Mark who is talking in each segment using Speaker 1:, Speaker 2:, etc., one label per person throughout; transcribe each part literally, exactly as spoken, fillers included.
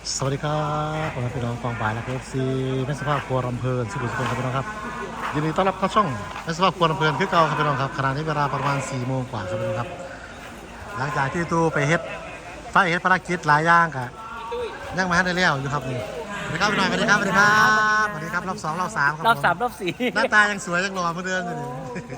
Speaker 1: สวัสดีครับผมเป็นน้องกองฝ่ายและเอฟซีแม่สภาพครัวลำเพลินสุขุมสุขครับพี่น้องครับยินดีต้อนรับเข้าช่องแม่สภาพครัวลำเพลินคือเก่าครับพี่น้องครับขณะนี้เวลาประมาณสี่โมงกว่าครับพี่น้องครับหลังจากที่ตู้ไปเฮ็ดไฟเฮ็ดภารกิจหลายอย่างกะยังไม่ทันได้เลี้ยวอยู่ครับนี่สวัสดีครับพี่น้องสวัสดีครับสวัสดีครับสวัสดีครับรอบสองรอบสามครับ
Speaker 2: รอบสาม
Speaker 1: ผ
Speaker 2: รอบสี่
Speaker 1: หน้าตายังสวยยังหล่อเหมือนเดิมอยู่นี่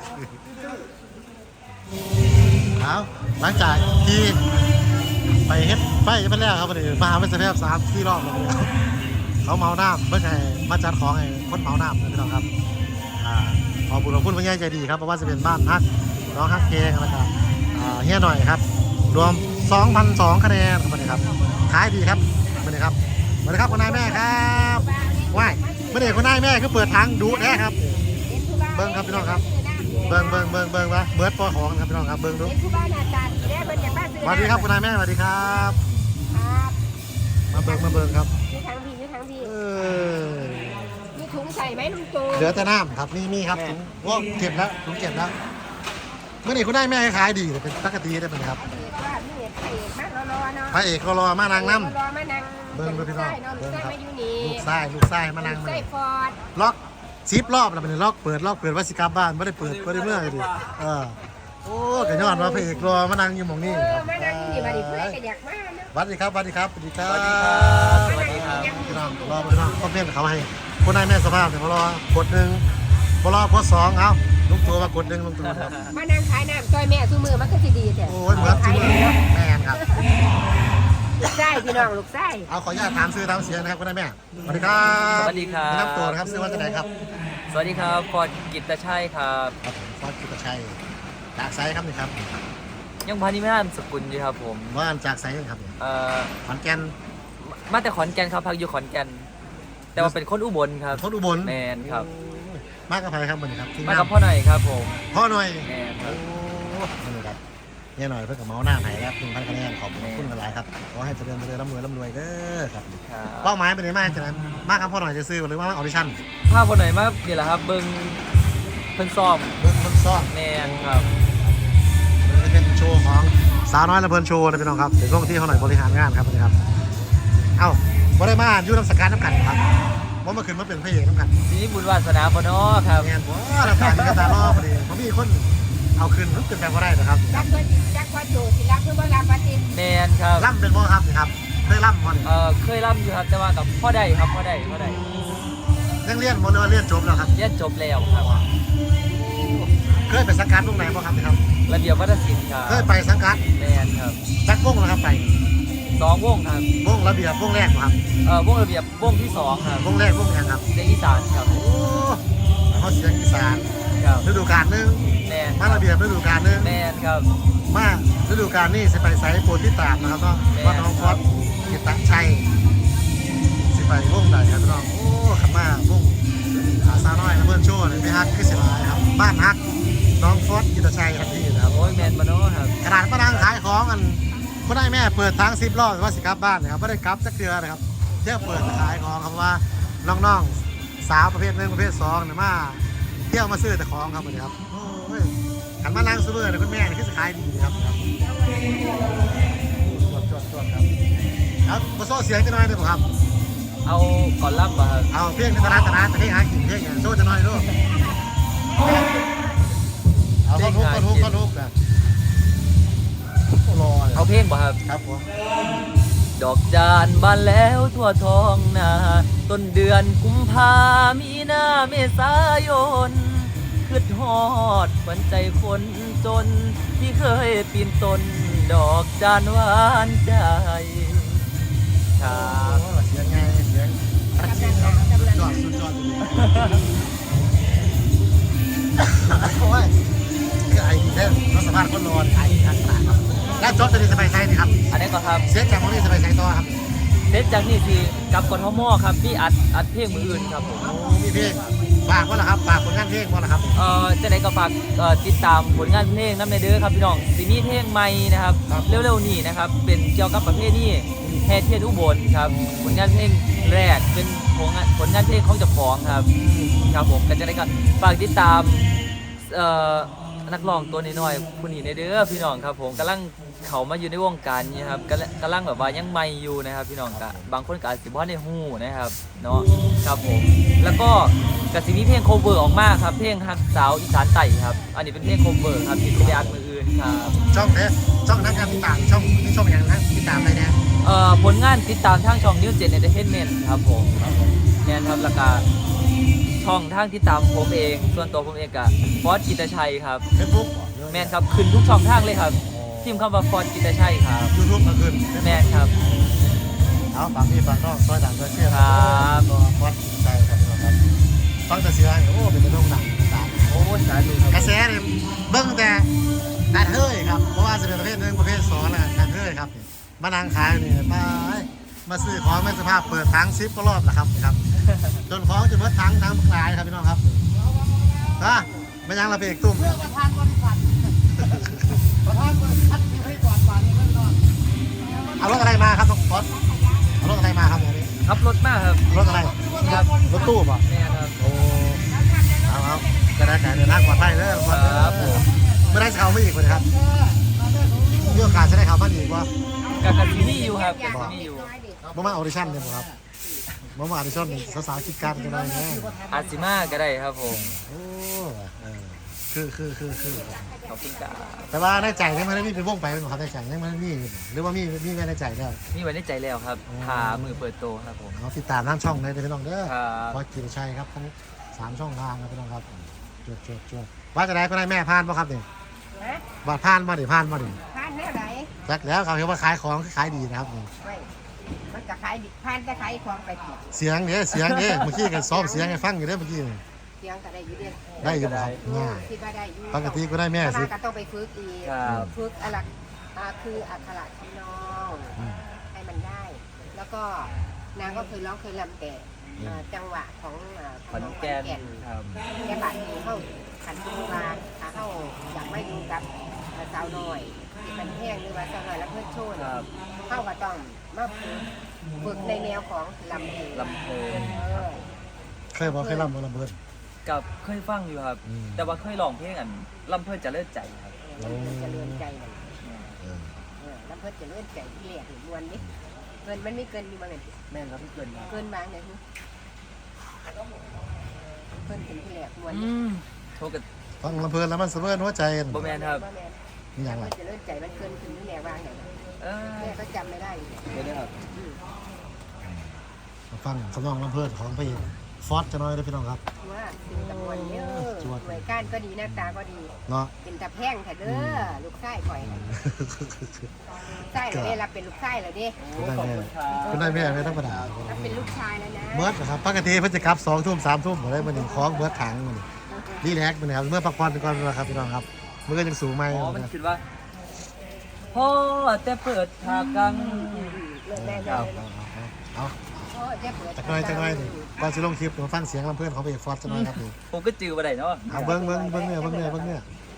Speaker 1: เอาหลังจากที่ไปเฮ็ดไฟไปแล้วครับวันนี้มาหาไม่เสร็จแล้วสามสี่รอบแล้วครับเขาเมาน้ำเพื่อให้มาจัดของให้คนเมาน้ำนะพี่น้องครับอ่าขอบุญขอบคุณพระญ่ใจดีครับเพราะว่าจะเป็นบ้านฮักน้องฮักเกงแล้วก็อ่าเฮียหน่อยครับรวม สองพันสอง คะแนนครับวันนี้ครับขายดีครับวันนี้ครับวันนี้ครับคุณนายแม่ครับว้ายไม่ได้คุณนายแม่คือเปิดทางดูแน่ครับเบิ้งครับพี่น้องครับเบิ้งเบิ้งเบิ้งเบิ้งวะเบิร์ดปอของครับพี่น้องครับเบิ้งดูสวัสดีครับคุณนายแม่สวัสดีครับมาเบิ้งมาเบิ้งครับ
Speaker 3: มีทั้งพี่มีทั้งพี่
Speaker 1: เออ
Speaker 3: มีถุงใส่ไหมลุงตู
Speaker 1: เหลือแต่น้ำครับนี่มีครับถุงว่าเก็บแล้วถุงเก็บแล้วเมื่อไหร่คุณนายแม่ขายดีแต่เป็นปกติได้เป็นครับ
Speaker 3: เอกว่ามีเอกเอกมากรอๆเนาะ
Speaker 1: พระเอกก็รอมานางน้
Speaker 3: รอมานั่ง
Speaker 1: เบิ่งเบิ่งพี่น้อง
Speaker 3: เนาะลูกชายมาอยู่นี่
Speaker 1: ำลูกไส้ลูกไส้มานั่ง
Speaker 3: ลูก
Speaker 1: มา
Speaker 3: ชายฟอร์ด
Speaker 1: ล็อกซิปรอบแล้วเป็นล็อกเปิดล็อกเปิดว่าสิกลับบ้านไม่ได้เปิดไม่ได้เมื่อเลยดิเออโอ้กระยอนว่าพระเอกรอมานั่งอยู่หมอง
Speaker 3: เอ
Speaker 1: นี้
Speaker 3: อมานั่งอยู่นี่มาดิเพื่อนก็อยากมาเนาะ
Speaker 1: สวัสดีครับสวัสดีครับสวัสดีครับ
Speaker 2: สวัสดีครับ
Speaker 1: พี่น้องรอพี่น้องก็เพี้ยนเขาให้คนนายแม่สภาพเนี่ยมารอกดหนึ่งมารอกดสองเอาลุงตัวมากดหนึ่งลุงตัวครับ
Speaker 3: มานั่งขายน้ำซอยแม่ซูมือมันก็สิดีแต่
Speaker 1: โอ้ยเหมือนจริงเลยแม่นครับ
Speaker 3: ลูกชายพี่น้องลูกชาย
Speaker 1: เอาขออนุญาตถามซื้อตามเสียงนะครับคุณนายแม่สวัสดีครับ
Speaker 2: สวัสดีครับ
Speaker 1: แนะนำตัวนะครับซื้อว่าจะไหนครับ
Speaker 2: สวัสดีครับฟอร์ดกิตตชัยครับ
Speaker 1: ครับผมฟอสกิตชัยจากไซครับนี่ครับ
Speaker 2: ยังพานิไม่นามสกุลอยู่ครับผม
Speaker 1: ว่านจากไซครับเนี่ย
Speaker 2: เอ่อ
Speaker 1: ขอนแก่น
Speaker 2: มาแต่ขอนแก่นครับพักอยู่ขอนแก่นแต่ว่าเป็นคนอุบลครับ
Speaker 1: คนอุบล
Speaker 2: แมนครับ
Speaker 1: มากกับใครครับวันนี้ครับทีมาน
Speaker 2: มางกับพ่อหน่อยครับผม
Speaker 1: พ่อหน่อย
Speaker 2: แมนค
Speaker 1: โอ้
Speaker 2: รับ
Speaker 1: นี่ครับเนี่ยหน่อยเพื่อนกับเมาส์หน้าไหนครับหนึ่งพันคะแนนขอบคุณกันหลายครับขอให้เจริญเจริญร่ำรวยร่ำรวยเด้อครับ
Speaker 2: ครับ
Speaker 1: เป้าหมายเป็นยังไงมากจังมากครับพ่อหน่อยจะซื้อหรือว่าออดิชั่น
Speaker 2: ภาพพ่อหน่อยมาเดี๋ยวแหละครับเบิ้งเพิ่นซ้อม
Speaker 1: เบิ้งมันซ่อน
Speaker 2: แมนครับ
Speaker 1: มันเป็นโชว์ของสาวน้อยละเพลินโชว์นะพี่น้องครับเดี๋ยวช่วงที่เขาหน่อยบริหารงานครับวันนี้ครับเอ้าบริมาอยู่น้ำสกัดน้ำกันครับว่าเมื่อคืนมาเป็นพระเอกน้ำกัน
Speaker 2: ทีนี้บุญวาสนาปนอครับ
Speaker 1: งานว้าน้ำกันกระตาล่อพอดีผมมีคนเอาคืนมันเป็นแบบว่าได้นะครับ
Speaker 3: รักเพื่อนรักว่าโจสิรักเพื่อนว่ารักปฏิน
Speaker 2: แมนครับ
Speaker 1: ล่ำเป็นบ่ครับนี่ครับเคยล่ำบ่นี่
Speaker 2: เอ่อเคยร่ำอยู่ครับแต่ว่ากับพ่อได้ครับพ่อได้พ่อได้
Speaker 1: ยังเรียนบ่หรือว่าเรียนจบแล้วครับ
Speaker 2: เรียนจบแล้วครับ
Speaker 1: เคยไปสังกัดวงไหนบ่ครับนี่ครับ
Speaker 2: ระเบียบวัฒนศิลป์ครับ
Speaker 1: เคยไปสังกัด
Speaker 2: แมนครับ
Speaker 1: จักวงนะครับไป
Speaker 2: สองวงครับ
Speaker 1: วงระเบียบวงแรกบ่ครับ
Speaker 2: เอ่อวงระเบียบวงที่สองครับ
Speaker 1: วงแรกวงยังครับ
Speaker 2: ในอีสานครับ
Speaker 1: โอ้เขาเสียงอีสาน
Speaker 2: ครับ
Speaker 1: ฤดูกาลหนึง
Speaker 2: แมน
Speaker 1: มาระเบียบฤดูกาลหนึง
Speaker 2: แมนครับ
Speaker 1: มาฤดูกาลนี้สิไปไซโปรที่ตามนะครับก็วัดน้องฟอสกิตตชัยสิไปวงใดครับพี่น้องโอ้ขับมาวงอาซาน้อยนะเพื่อนโชว์เลยพี่ฮักคือสิลายครับบ้านฮักน้องฟอสกิตตชัยทันทีนะครับ
Speaker 2: โอ้ยแมนมาโน่ครับ
Speaker 1: ขนาดมานั่งขายของกันก็ได้แม่เปิดทางซิปรอบว่าสิกลับบ้านนะครับไม่ได้กลับสักเดือนนะครับเที่ยวเปิดขายของครับว่าน้องๆสาวประเภทหนึ่งประเภทสองเนี่ยมาเที่ยวมาซื้อแต่ของครับวันนี้ครับโอ้ยขันมานั่งซื้อเลยคุณแม่นี่คือสิขายดีครับครับจวดจวดจวดครับครับมาโซ่เสียงจะน้อยได้ป่ะครับ
Speaker 2: เอาก่อนรับป่ะครับ
Speaker 1: เอาเพียงในตลาดตลาดแต่ให้หากินเพียงอย่างโซ่จะน้อยด้วยเอาต้นฮุกต้นฮุกต้นฮุกนะรอเลย
Speaker 2: เอาเพลงป่ะครับ
Speaker 1: ครับผม
Speaker 2: ดอกจานบานแล้วทั่วท้องนาต้นเดือนกุมภามีนาเมษายนคืดฮอดขวัญใจคนจน ที่เคยปีนต้นดอกจานหวานใจครับ
Speaker 1: เสียงไงเสียงตัดเสียงครับสุดยอดสุดยอดจริงๆโอ้ยคือไอ้เด่นรถสภาพคนนอนไอ้ทางตลาดครับแล้วจบจะดีสบายใจนี่ครับ
Speaker 2: อันนี้ก็ครับ
Speaker 1: เสียงจากมองนี่สบายใจต่อครับ
Speaker 2: เสร็จจากนี่สิกับกทมครับพี่อัดอัดเพลงมืออื่นครับผม
Speaker 1: โอ้มีเพลงฝากว่าล่ะครับฝากผลงานเพลงว่าล่ะครับ
Speaker 2: เอ่อจะได้ก็ฝากเอ่อติดตามผลงานเพลงน้ำในเด้อครับพี่น้องซีมีเพลงใหม่นะครับ
Speaker 1: ครับ
Speaker 2: เร็วๆนี้นะครับเป็นเกี่ยวกับประเภทนี้แห่เทียนอุบลครับผลงานเพลงแรกเป็นผลงานผลงานเพลงของเจ้าของครับครับผมก็จะได้ก็ฝากติดตามเอ่อนักร้องตัวน้อยๆผู้นี้ในเด้อพี่น้องครับผมกำลังเขามาอยู่ในวงการนี้ครับกำลังกำลังแบบว่ายังใหม่อยู่นะครับพี่น้องกะบางคนก็อาจสิบ่ได้ฮู้นะครับเนาะครับผมแล้วก็กสิมีเพลงโคเวอร์ออกมาครับเพลงฮักสาวอีสานใต้ครับอันนี้เป็นเพลงโคเวอร์ครับที่ไม่ได้อัดมืออื่นครับ
Speaker 1: ช่องเด้ช่องนั้นครับติดตามช่องนี่ช่องอย่างนั้นติดตามอะไรเนี่ย
Speaker 2: เอ่อผลงานติดตามทางช่อง New Gen Entertainment ครับผมเนี่ยครับแล้วก็ช่องทางติดตามผมเองส่วนตัวผมเองกับฟอสกิตชัยครับ
Speaker 1: เฟซบุ๊ก
Speaker 2: แมนครับขึ้นทุกช่องทางเลยครับพิมพ์คำว่าฟอสกิตชัยครับ
Speaker 1: ยูทูบก็ขึ้น
Speaker 2: แมนครับ
Speaker 1: เอาฟังพี่ฟังน้องซอยดังซอยเชี่ย
Speaker 2: ครับ
Speaker 1: ก็ฟอดใจครับพี่น้องครับฟังแต่เสียงโอ้เป็นกระด้งดังตาม
Speaker 2: โอ้สาธุครับ
Speaker 1: กระแสเนี่ยเบิ้งแต่การเฮ้ยครับเพราะว่าจะเป็นประเภทหนึ่งประเภทสองแล้วการเฮ้ยครับมานางขายนี่มามาซื้อของไม่สภาพเปิดทั้งซิปก็รอบแหละครับครับจนของจะเบิดทั้งทั้งขายครับพี่น้องครับฮะไม่ยังระเบียกตุ้ม
Speaker 3: ประธานบริษัทประธานบริษัทที่ให้ก่อนก่อนนี่มันนอน
Speaker 1: เอารถอะไรมาครับน้องฟอสเอารถอะไรมาครับวันนี้
Speaker 2: ขับรถมากครับ
Speaker 1: รถอะไร
Speaker 2: ครับ
Speaker 1: รถตู้ป่ะ
Speaker 2: แมนครับ
Speaker 1: โอ้เอาเอากระดาษแขนเดินทางปลอดภัยเด้อ
Speaker 2: ครับผม
Speaker 1: ไม่ได้เขาไม่อีกเลยครับมีโอกาสจะได้เขาบ้านอีกว่า
Speaker 2: กับกับที่นี่อยู่ครับกับที่นี่อยู่
Speaker 1: บ่มาออดิชั่นเนี่ยบ่ครับบ่มาออดิชั่นเนี่ยสาวๆคิดการกันได้แน่
Speaker 2: อาซิมาก็ได้ครับผม
Speaker 1: โอ้เออคือคือคือคือ
Speaker 2: ขอบคุณครับ
Speaker 1: แต่ว่าในใจยังไม่ได้มีเป็นวงไปเป็นของเขาในใจยังไม่ได้มีอยู่หรือว่ามีมีไว้ในใจแล้ว
Speaker 2: นี่ไว้ในใจแล้วครับ
Speaker 1: อ๋อ
Speaker 2: พามือเปิดโตครับผม
Speaker 1: เอาติดตามทางช่องเลยเด้อพี่น้องเด้อ
Speaker 2: ครับ
Speaker 1: พอกินชัยครับทั้งสามช่องทางครับพี่น้องครับจวดจวดจวดว่าจะได้ก็ได้แม่พานป่ะครับนี่
Speaker 3: ฮะ
Speaker 1: บาดพานมาดิพานมาดิ
Speaker 3: พานแน่ไหน
Speaker 1: จักแล้วเขาเห็นว่าขายของขายดีนะครับนี่
Speaker 3: ไม่มันจะขายดิพานจะขายของไปเถอะ
Speaker 1: เสียงเนี่ยเสียงเนี่ยเมื่อกี้กันซ้อมเสียงให้ฟังอยู่เด้อเมื่อกี้นี่
Speaker 3: เสียงก็ได้อยู่เดียว
Speaker 1: ได้อยู่บ่ครับง่าย
Speaker 3: คิดว่าได้อยู่
Speaker 1: ปกติก็ได้แม่
Speaker 3: แต่
Speaker 1: สิ
Speaker 3: ว่าก็ต้องไปฝึกอีก
Speaker 2: ครับ
Speaker 3: ฝึกอะไรอ่าคืออักขระทำนอง
Speaker 1: อืม
Speaker 3: ให้มันได้ แล้วก็นางก็เคยร้องเคยรำแต่อ่าจังหวะของอ่า
Speaker 2: ขอนแก่นครับ
Speaker 3: แก่บาดนี้เข้าขันตุลาขาเข้าอยากไม่ดูกับสาวน้อยที่เป็นแห้งหรือว่าสาวน้อยแล้วเพื่อนโชว์
Speaker 2: ค
Speaker 3: เนี่ย
Speaker 2: รับ
Speaker 3: เข้าก็ต้องมาฝึกฝึกในแนวของลำเพลง
Speaker 2: ลำเพลิน
Speaker 3: เออ
Speaker 1: เคยบอกเคยรำบอระเบิด
Speaker 2: กับเคยฟังอยู่ครับ
Speaker 1: อืม
Speaker 2: แต่ว่าเคยร้องเพลงอันลำเพลินจะเลิศใจครับ
Speaker 3: ลำเพลินจะเลื่อนใจมัน
Speaker 1: เออ
Speaker 3: เออลำเพลินจะเลื่อนใจที่เหลียกมวนนี่เกินมันไม่เกินอยู่บ้างเลย
Speaker 2: แม่นครับพี่เกินครับ
Speaker 3: เกินบางเลยฮึเพิ่นถึงที่เหลียกมวน
Speaker 2: อื
Speaker 3: นี่
Speaker 2: มโทรกับ
Speaker 1: ฟังลำเพลินแล้วมันสะเบิดหัวใจ
Speaker 2: บ่แม่นครับ
Speaker 3: บ่แม่น
Speaker 1: นี่อย่างไร
Speaker 3: มันจะเลื่อนใจมันเกินถึงที่เหลียกบางไหน
Speaker 2: เออ
Speaker 3: แม่ก็จำไม่ได้อยู่เนี่ย
Speaker 2: เดี๋ยวนะครับ
Speaker 3: อืม
Speaker 1: มาฟังสำนองลำเพลินของพระเอกฟอสจะน้อยเลยพี่น้องครับ
Speaker 3: ว่าถึงตะมวนเยอะ
Speaker 1: จวด
Speaker 3: หน่วยก้านก็ดีหน้าตาก็ดี
Speaker 1: เนาะ
Speaker 3: เป็นตะแพร่งแท้เด้อลูกไส้ข่อยน่ะลูกไส้เหรอเด้รับเป็นลูกไส้เหรอเด้
Speaker 2: โอ้ขอบคุณครับ
Speaker 1: คุณได้แม่ไม่ธรรมดา
Speaker 3: รับเป็นลูกชายแล้วนะ
Speaker 1: เบิร์ดนะครับปกติเพิ่นจะกลับสองทุ่มสามทุ่มอะไรมันนี่ของเบิร์ดถังมันนี่รีแลกซ์มันนะครับเมื่อพักผ่อนไปก่อนนะครับพี่น้องครับเมื่อยังสูงไหม
Speaker 2: อ๋อมันคิดว่าพ่อแต่เปิดทากัง
Speaker 3: เลิกได้
Speaker 2: ค
Speaker 3: แล้
Speaker 2: รั
Speaker 3: ว
Speaker 2: บ
Speaker 1: เอาเอา
Speaker 3: โอ้ยจะเปิด
Speaker 1: จักหน่อยจักหน่อยนี่ก่อนสิลงคลิปมาฟังเสียงลำเพลินของพระเอกฟอสจะน้อยครับนี่
Speaker 2: ผมก็จือมาได้เนาะ
Speaker 1: เอาเบิ้งเบิ้งเบิ้งเนี่ยเบิ้งเนี่ยเบิ้งเนี่ย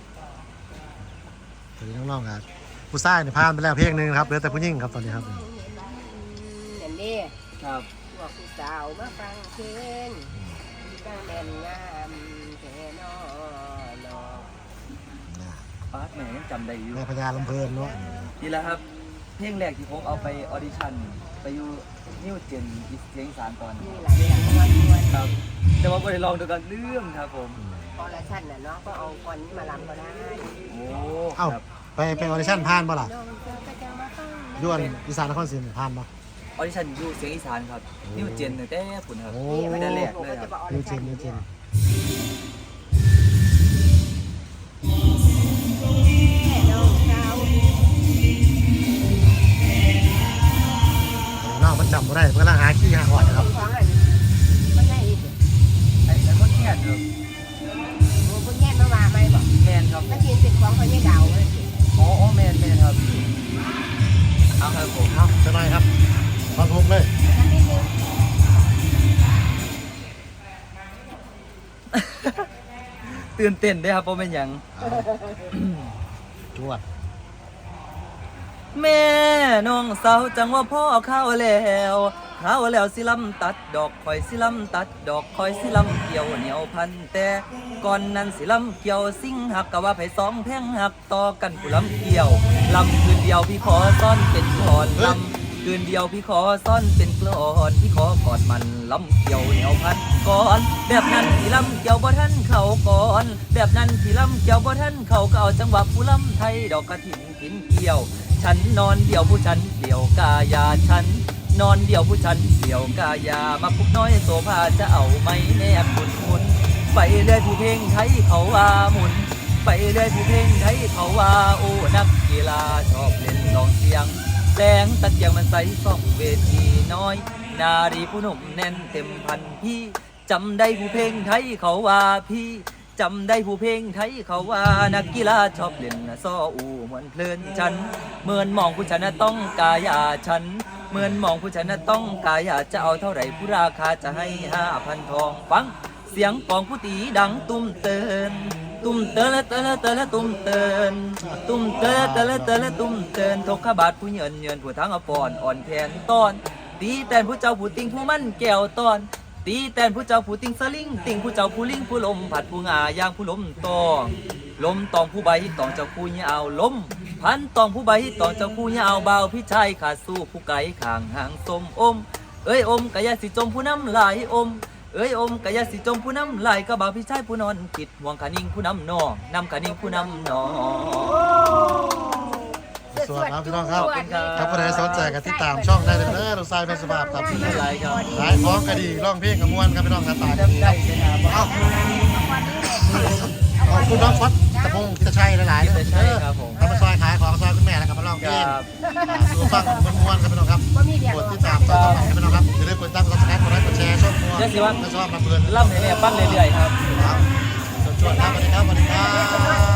Speaker 1: ตอนนี้น้องๆครับผู้ชายเนี่ยผ่านไปแล้วเพลงหนึ่งครับเหลือแต่ผู้หญิงครับตอนนี้ครับ
Speaker 3: อย่างนี้
Speaker 2: ครับ
Speaker 3: พวกผู้สาวมาฟังเพลงตั้งแน่นงามแค่นอเนาะ
Speaker 2: ป้าแหม่ยังจำได้อยู่
Speaker 1: แม่พญาลำเพลินเนาะ
Speaker 2: นี่แหละครับเพลงแรกที่ผมเอาไปออดิชั่นไปอยู่นิวเจนอีเสียงอีสานตอน
Speaker 3: นี่หลายอย่างมวนมวน
Speaker 2: ครับ แต่ว่าไม่ได้ลองดูกันเรื่องครับผม
Speaker 3: พอละชั้นน่ะเนาะก็เอาก่อนนี้มาลำก็ได้
Speaker 2: โอ้
Speaker 1: เอ้า
Speaker 2: ครับ
Speaker 1: ไปไปออดิชั่นผ่านป่ะล่ะ
Speaker 3: น้องเจ้าก็จะมาฟัง
Speaker 1: ยวนอีสานนครศรีผ่านป่ะ
Speaker 2: ออดิชั่นอยู่เสียงอีสานครับนิวเจนตั้งแต่ปุ่นครับ
Speaker 1: โอ้
Speaker 2: ไม่ได้แรกเลยครับ
Speaker 1: นิวเจนนิวเจนน้องมันจำไม่ได้มันกำลังหาขี้หาหอดนะครับ
Speaker 3: ของอันมันได้อีก
Speaker 2: ไอ้ไอ้คนแค่ครับ
Speaker 3: โอ้พวกแง่มาว่าไหมบอก
Speaker 2: แมนครับ
Speaker 3: มันกินเป็นของเขาไม่ดาวเลย
Speaker 2: อ๋ออ๋อแมนแมนครับเอาครับผม
Speaker 1: เอาจะหน่อยครับฟังทุกเลย
Speaker 3: นั่นนิดนึง
Speaker 2: ตื่นเต้นด้วยครับเพราะเป็นอย่าง
Speaker 1: เอาจวด
Speaker 2: แม่น้องสาวจังว่าพ่อเข้าแล้วเข้าแล้วสิลำตัดดอกคอยสิลำตัดดอกคอยสิลำเกี่ยวเหนียวพันแต่ก่อนนั้นสิลำเกี่ยวสิ่งหักกะว่าไผสองแพงหักต่อกันผู้ลำเกี่ยวลำคืนเดียวพี่ขอซ่อนเป็นกลอนลำคืนเดียวพี่ขอซ่อนเป็นกลอนพี่ขอกอดมันลำเกี่ยวเหนียวพันก่อนแบบนั้นสิลำเกี่ยวบ่ทันเข้าก่อนแบบนั้นสิลำเกี่ยวบ่ทันเข้าก็เอาจังหวะผู้ลำไทยดอกกระถิ่นกินเกี่ยวฉันนอนเดี่ยวผู้ฉันเดี่ยวกายาฉันนอนเดี่ยวผู้ฉันเดี่ยวกายามาพุกน้อยโซภาจะเอาไหมแนบหมุนหมุนไปเลยผู้เพลงไทยเขาว่าหมุนไปเลยผู้เพลงไทยเขาว่าโอ้นักกีฬาชอบเล่นลองเสียงแสงตะเกียงมันใสส่องเวทีน้อยนารีผู้หนุ่มแน่นเต็มพันพี่จำได้ผู้เพลงไทยเขาว่าพี่จำได้ผู้เพลงไทยเขาว่านักกีฬาชอบเล่นซ้ออูเหมือนเพลินฉันเหมือนมองผู้ฉันต้องกายาฉันเหมือนมองผู้ฉันต้องกายาจะเอาเท่าไหร่ผู้ราคาจะให้ห้าพันทองฟังเสียงกองผู้ตีดังตุ้มเตือนตุ้มเตือนละเตือนละเตือนละตุ้มเตือนตุ้มเตือนเตือนละเตือนละตุ้มเตือนทกขบาทผู้เยินเยินผู้ทั้งอปอนอ่อนแทนตอนตีแต่ผู้เจ้าผู้ติงผู้มั่นแก้วตอนตีแต่ผู้เจ้าผู้ติงสลิงติงผู้เจ้าผู้ลิงผู้ลมผัดผู้งาย่างผู้ลมตองลมตองผู้ใบตองเจ้าผู้ยาวลมพันตองผู้ใบตองเจ้าผู้ยาวเบาพี่ชายขาดสู้ผู้ไก่ข้างหางสมอมเอ้ยอมกะยาสิจมผู้น้ำลายอมเอ้ยอมกะยาสิจมผู้น้ำลายก็บ่าวพี่ชายผู้นอนคิดห่วงขานิ่งผู้น้ำนองนำขานิ่งผู้น้ำนอง
Speaker 1: สวัสดีครับพี่น้องครับ
Speaker 3: สวัสดี
Speaker 1: ถ้าผู้ใดสนใจก็ติดตามช่องได้เลยเด้อลูกชายเป็นสภาพครับ
Speaker 2: ไม่เป็นไรครับ
Speaker 1: ขายของก็ดีร้องเพลงกับม่วนครับพี่น้องครับตายดีครับเอ้าขอบคุณน้องฟอสตะพงกิตชัยหลายๆเลย
Speaker 2: กิตชัยครับผม
Speaker 1: ทำมาซอยขายของซอยคุณแม่แล้วกับมาร้องเพลง
Speaker 2: ครับ
Speaker 1: สู่ฟังม่วนๆครับพี่น้องครับ
Speaker 3: บ่มีเดียว
Speaker 1: กดติดตามช่องต่อไปครับพี่น้องครับอย่าลืมกดตั้งกดซับสไครต์กดไลค์กดแชร์ช่องม่วน
Speaker 2: เดี๋ยวสิว่า
Speaker 1: และชอบมาเพื่อน
Speaker 2: ล่ำให้แม่ปั้งเรื่อยๆครับ
Speaker 1: ครับชวนๆครับสวัสดีครับสวัสดีครับ